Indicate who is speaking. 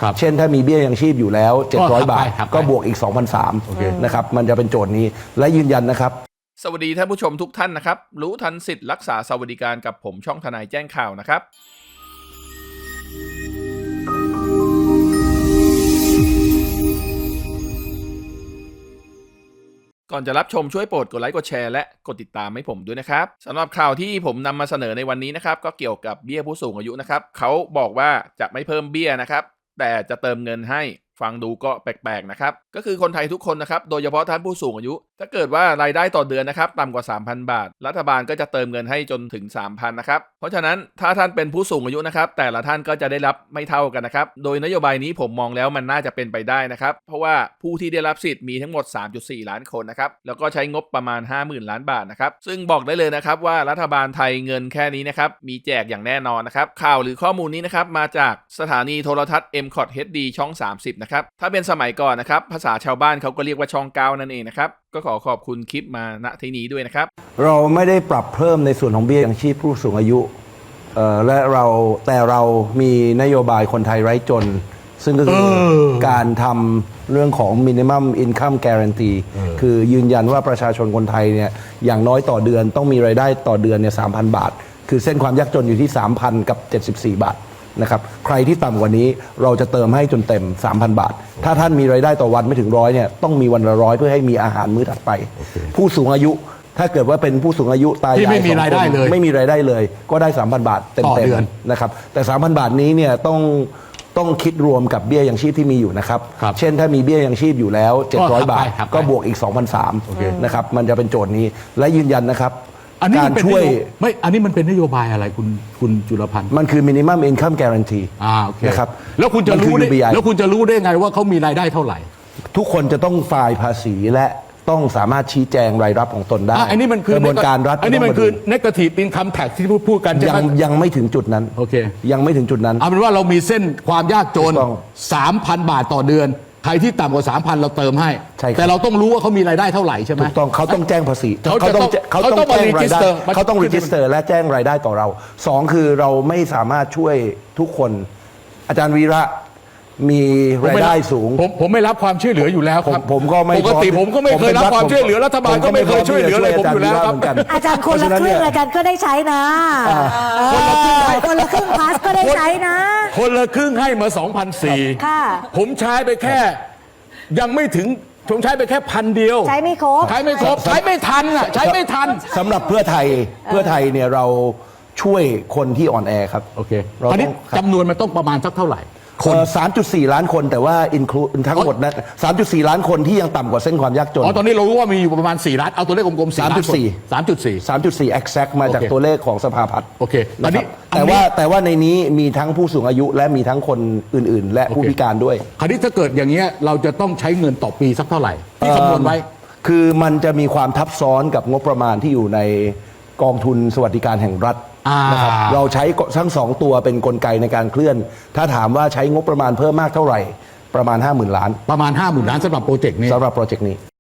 Speaker 1: เช่นถ้ามีเบี้ยยังชีพอยู่แล้ว700 บาทก็บวกอีก 2,300 นะครับมันจะเป็นโจทย์นี้และยืนยันนะครับ
Speaker 2: สวัสดีท่านผู้ชมทุกท่านนะครับรู้ทันสิทธิ์รักษาสวัสดิการกับผมช่องทนายแจ้งข่าวนะครับก่อนจะรับชมช่วยโปรดกดไลค์กดแชร์และกดติดตามให้ผมด้วยนะครับสำหรับข่าวที่ผมนำมาเสนอในวันนี้นะครับก็เกี่ยวกับเบี้ยผู้สูงอายุนะครับเขาบอกว่าจะไม่เพิ่มเบี้ยนะครับแต่จะเติมเงินให้ฟังดูก็แปลกๆนะครับก็คือคนไทยทุกคนนะครับโดยเฉพาะท่านผู้สูงอายุถ้าเกิดว่ารายได้ต่อเดือนนะครับต่ำกว่า 3,000 บาทรัฐบาลก็จะเติมเงินให้จนถึง 3,000 นะครับเพราะฉะนั้นถ้าท่านเป็นผู้สูงอายุนะครับแต่ละท่านก็จะได้รับไม่เท่ากันนะครับโดยนโยบายนี้ผมมองแล้วมันน่าจะเป็นไปได้นะครับเพราะว่าผู้ที่ได้รับสิทธิ์มีทั้งหมด 3.4 ล้านคนนะครับแล้วก็ใช้งบประมาณ 50,000 ล้านบาทนะครับซึ่งบอกได้เลยนะครับว่ารัฐบาลไทยเงินแค่นี้นะครับมีแจกอย่างแน่นอนนะครับข่าวหรือข้อมูลนี้นะครับมาจากสถานีโทรทัศน์ MCOT HD ช่อง 30 นะครับถ้าเป็นสมัยก่อนนะครับภาษาชาวบ้านเขาก็เรียกว่าช่อง9นั่นเองนะครับก็ขอขอบคุณคลิปมาณที่นี้ด้วยนะครับ
Speaker 1: เราไม่ได้ปรับเพิ่มในส่วนของเบี้ยยังชีพผู้สูงอายุและเรามีนโยบายคนไทยไร้จนซึ่งก็คือการทำเรื่องของ minimum income guarantee คือยืนยันว่าประชาชนคนไทยเนี่ยอย่างน้อยต่อเดือนต้องมีรายได้ต่อเดือนเนี่ย 3,000 บาทคือเส้นความยากจนอยู่ที่ 3,000 กับ 74 บาทนะครับใครที่ต่ำกว่านี้เราจะเติมให้จนเต็ม 3,000 บาทถ้าท่านมีรายได้ต่อวันไม่ถึง100เนี่ยต้องมีวันละ100เพื่อให้มีอาหารมื้อถัดไปผู้สูงอายุถ้าเกิดว่าเป็นผู้สูงอายุตายายไม่มีรายได้เลยก็ได้ 3,000 บาทเต็มนะครับแต่ 3,000 บาทนี้เนี่ยต้องคิดรวมกับเบี้ยยังชีพที่มีอยู่นะครับเช่นถ้ามีเบี้ยยังชีพอยู่แล้ว700 บาทก็บวกอีก 2,300 นะครับมันจะเป็นโจทย์นี้และยืนยันนะครับ
Speaker 3: การช่วยไม่อันนี้มันเป็นนโยบายอะไรคุณจุลพันธ์
Speaker 1: มันคือ minimum income guarantee
Speaker 3: โอเค
Speaker 1: นะครับ
Speaker 3: แล้วคุณจะรู้ได้ไงว่าเขามีรายได้เท่าไหร่
Speaker 1: ทุกคนจะต้องไฟล์ภาษีและต้องสามารถชี้แจงรายรับของตนได้
Speaker 3: อันนี้มันคือก
Speaker 1: ระบวนการรัฐ
Speaker 3: อันนี้มันคือ negative income tax ที่พูดกัน
Speaker 1: ยังไม่ถึงจุดนั้น
Speaker 3: โอเค
Speaker 1: ยังไม่ถึงจุดนั้น
Speaker 3: เอาเป็นว่าเรามีเส้นความยากจน 3,000 บาทต่อเดือนใครที่ต่ำกว่า 3,000 เราเติมให้แต่เราต้องรู้ว่าเขามีรายได้เท่าไหร่ใช่ไหม
Speaker 1: ถูกต้องเขาต้องแจ้งภาษีเขาต้องแจ้งรายได้เขาต้องรีจิสเตอร์และแจ้งรายได้ต่อเรา2คือเราไม่สามารถช่วยทุกคนอาจารย์วีระมีรายได้สูง
Speaker 3: ผมไม่รับความช่วยเหลืออยู่แล้วครับ
Speaker 1: ผมก็ไม่
Speaker 3: ปกติผมก็ไม่เคยรับความช่วยเหลือรัฐบาลก็ไม่เคยช่วยเหลืออะไรผมอยู่แล้วครับ
Speaker 4: อาจารย์คนละครึ่งรายการก็ได้ใช้นะคนละครึ่งพาสก็ได้ใช้นะ
Speaker 3: คนละครึ่งให้มา 2,400
Speaker 4: ค่ะ
Speaker 3: ผมใช้ไปแค่ยังไม่ถึงผมใช้ไปแค่1,000 เดียว
Speaker 4: ใช้ไม่ครบ
Speaker 3: ใช้ไม่ทันใช้ไม่ทัน
Speaker 1: สำหรับเพื่อไทยเนี่ยเราช่วยคนที่อ่อนแอครับ
Speaker 3: โอเคตอนนี้จำนวนมันต้องประมาณสักเท่าไหร่
Speaker 1: 3.4 ล้านคนแต่ว่าอินคลูทั้งหมดนะ 3.4 ล้านคนที่ยังต่ำกว่าเส้นความยากจน
Speaker 3: ตอนนี้เรารู้ว่ามีอยู่ประมาณ4ล้านเอาตัวเลขกลมๆ
Speaker 1: 3.4 exact มาจากตัวเลขของสภาพัฒน์
Speaker 3: โอเคตอนนี้
Speaker 1: แต่ว่าในนี้มีทั้งผู้สูงอายุและมีทั้งคนอื่นๆและผู้พิการด้วย
Speaker 3: คราวนี้ถ้าเกิดอย่างเงี้ยเราจะต้องใช้เงินต่อปีสักเท่าไหร่ที่คำนวณไว้
Speaker 1: คือมันจะมีความทับซ้อนกับงบประมาณที่อยู่ในกองทุนสวัสดิการแห่งรัฐนะครับเราใช้ทั้ง2ตัวเป็นกลไกในการเคลื่อนถ้าถามว่าใช้งบประมาณเพิ่มมากเท่าไหร่ประมาณ 50,000 ล้าน
Speaker 3: ประมาณ 50,000 ล้านสำหรับโปรเจกต์นี้